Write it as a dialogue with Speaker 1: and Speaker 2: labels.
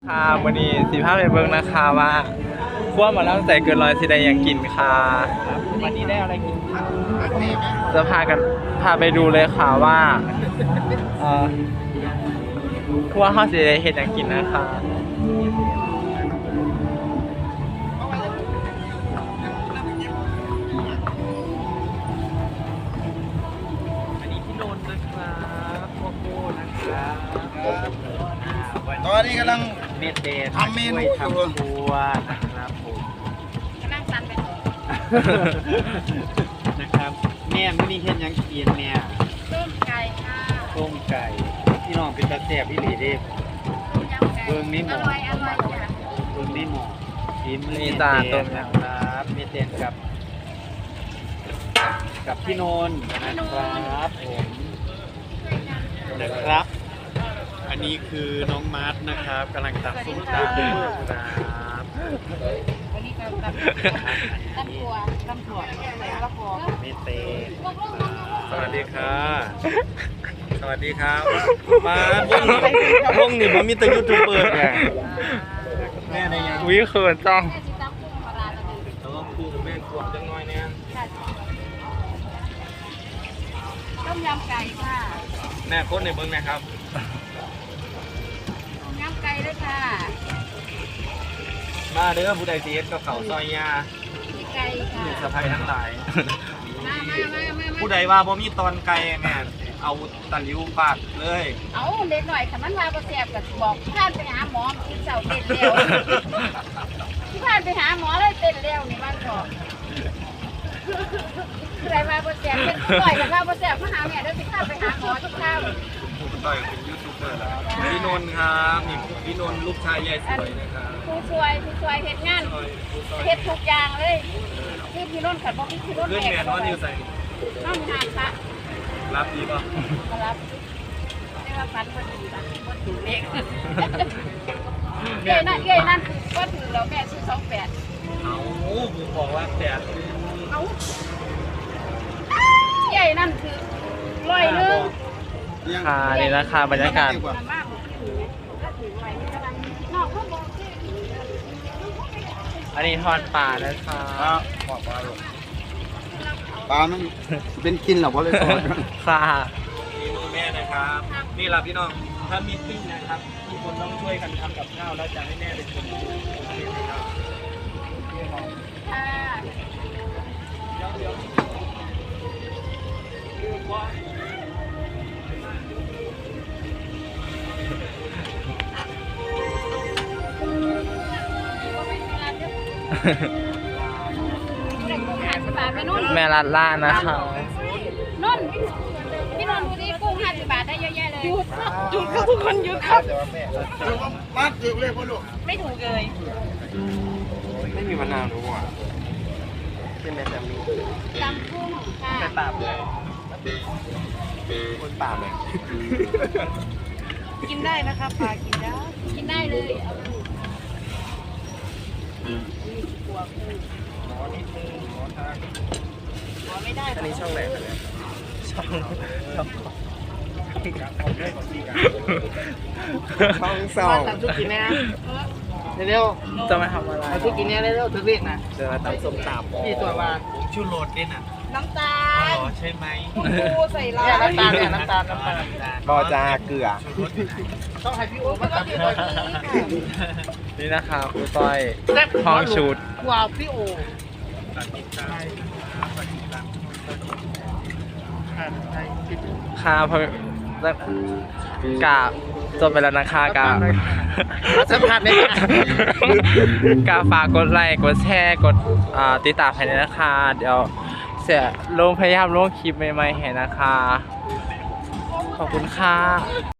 Speaker 1: ค่ะวันนี้15ไปเบิ่งนะคะว่าขั้วหมาล่ำใส่เกินร้อยสิได้ยังกินค่ะ
Speaker 2: วันนี้ได้อะไรกินครับ
Speaker 1: จะพาไปดูเลยค่ะว่าขั้วข้าวสิได้เห็ดยังกินนะคะ
Speaker 2: อันนี้พี่โนนนะครับพวกโก้นะครับ
Speaker 3: ตอนนี้กำลัง
Speaker 2: เมดเดย์
Speaker 3: ทำเมนู
Speaker 2: ทำครัวนะครับผม
Speaker 4: กำลังสั่นไปต่อ
Speaker 2: นะครับแม่ไม่มีเห็นยังกินแม่
Speaker 4: ต้มไก่ค่ะ
Speaker 2: ต้มไก่พี่น้องเป็นตาแซ่บพี่หลีเด้
Speaker 4: ต้มยำไก่
Speaker 2: เบิ่งนี่หม
Speaker 4: อ
Speaker 2: ด
Speaker 4: ร่อยจ้ะ
Speaker 2: เบิ่งนี่หมอกิน
Speaker 1: มีจานต้มยำ
Speaker 2: ครับเมดเดย์กับพี่โนนนะครับผมนะครับ อันนี้คือน้องมาร์ทนะครับกำลังตักส้มตำครับ
Speaker 4: วันนี้ก็ตำถั่วใส่มะละกอ
Speaker 2: เมเต
Speaker 1: สวัสดีค่ะ
Speaker 2: สวัสดีครับมาพวกนี่ผมมีแต่ยูทูบเบอร์ไงแม่ในยัง
Speaker 1: วิเขินจ้อง
Speaker 4: แม่ชิตำกุ้งปลาร้าตัวนึง
Speaker 2: แล้วก็คู่กับแม่ขวบจังน้อยเนี่ย
Speaker 4: ต้มยำไก่ค่ะ
Speaker 2: แม่โคตรในเบิ้งนะครับ
Speaker 4: ต้มยำไก่ด้วยค่ะ
Speaker 2: มาเด้อผู้ใดซีเอสกับเขาซอยยา
Speaker 4: มีไก่ค่ะ
Speaker 2: ลูกสะใภ้ทั้งหลาย
Speaker 4: มา
Speaker 2: ผู้ใดว่าบ่มีตอนไก่แม่เอาตะหลิวปากเลย
Speaker 4: เอาเด็กหน่อยค่ะมันมาบ่แซ่บก็บอกท่านไปหาหมอกินเสาเต้นเร็วที่ผ่านไปหาหมอเลยเต้นเร็วนี่มันบอกใครมาบ่แซ่บเป็นผู้ป่วยกันมาบ่แซ่บมาหาแม่เด้อสิพาไปหาหมอทุกข้าว
Speaker 2: ต่อยเป็นยูทูบเบอร์แล้วพี่นนท์ครับนี่พี่นนท์ลูกชายยายสวยนะครับ
Speaker 4: ผู้ช่วยเฮ็ดงานเฮ็ดทุกอย่างเลยที่พี่นุ่นขัดบ่มีพี่นุ่น
Speaker 2: เพื่อน
Speaker 4: แม่
Speaker 2: แม่นอนอยู่ใส่
Speaker 4: น้องหานค่ะ
Speaker 2: รับดีป่ะ
Speaker 4: มารับได้ว่าฟันบ่ดีล่ะบ่ถูกเลขเอ้ยนั่นบ่ถือแล้วแม่ซื้อ28
Speaker 2: เอาผมบอกว่าแดด
Speaker 4: เอ้าใหญ่นั่นคือ100นึง
Speaker 1: ค่ะนี่นะคะบรรยากาศ
Speaker 4: มากบ่ถือแล้วถือไว้กำลังนอกเขาบอกที่
Speaker 1: อันนี้ทอดปลานะคะ
Speaker 3: บอกปลาลูกปลามันเป็นกินหรอเพราะเลยทอด
Speaker 1: ค่ะ
Speaker 2: มีมือแม่นะครับ นี่ล่ะพี่น้องถ้ามีปิ้งนะครับทุกคนต้องช่วยกันทำกับข้าวแล้วจะให้แม่เป็นคนดูนะครับ
Speaker 4: ค่ะ
Speaker 1: แม่รัดล่านะคะ
Speaker 4: นนพี่นนดูดิกุ้ง50 บาทได้เยอะแยะเลยหยุดครับทุกคนหยุดครับ
Speaker 3: มาถือเลยพ่อลูก
Speaker 4: ไม่ถูกเลย
Speaker 2: ไม่มีมะนาวรู้อ่ะเป็นแม่แต่มี
Speaker 4: ตำกุ้งค่ะ
Speaker 2: แต่ปราบเลยคนปราบเลย
Speaker 4: กินได้นะคะปลากินได้กินได้เลยเอาไปหัวกุ้งหัวไม่ได้
Speaker 2: อันนี้ช่องไหนกันเนี่ย
Speaker 1: ช่อง
Speaker 2: ช่องสอง
Speaker 3: ทำชุดกินแน่เร็ว
Speaker 1: จะมาทำอะไร
Speaker 3: ทำชุดกินแน่เร็วถึงเรียกนะ
Speaker 2: จะมาตั้งส้มตำ
Speaker 3: นี่ตัวมา
Speaker 2: ชูโรสด้วยน่ะ
Speaker 4: น้ำตาล
Speaker 2: อ๋อใช่ไหม
Speaker 4: ปูใส่ลา
Speaker 3: เนี่ย
Speaker 4: ย
Speaker 3: น้ำตาล
Speaker 2: บอจาเกลือ
Speaker 3: ต้องให้พี่โอ๊ตมาตัด
Speaker 1: นี่นะคะครูต้อยห้องชุด
Speaker 3: ว้าวพี่โอ
Speaker 1: ค่ะพอกาจบไปแล้วนะคะกา
Speaker 3: สัมผัสได้ไหม
Speaker 1: กาฝากกดไลค์กดแชร์กดติดตามให้ด้วยนะคะ เดี๋ยวเสียลงพยายามลงคลิปใหม่ๆให้นะคะ ขอบคุณค่ะ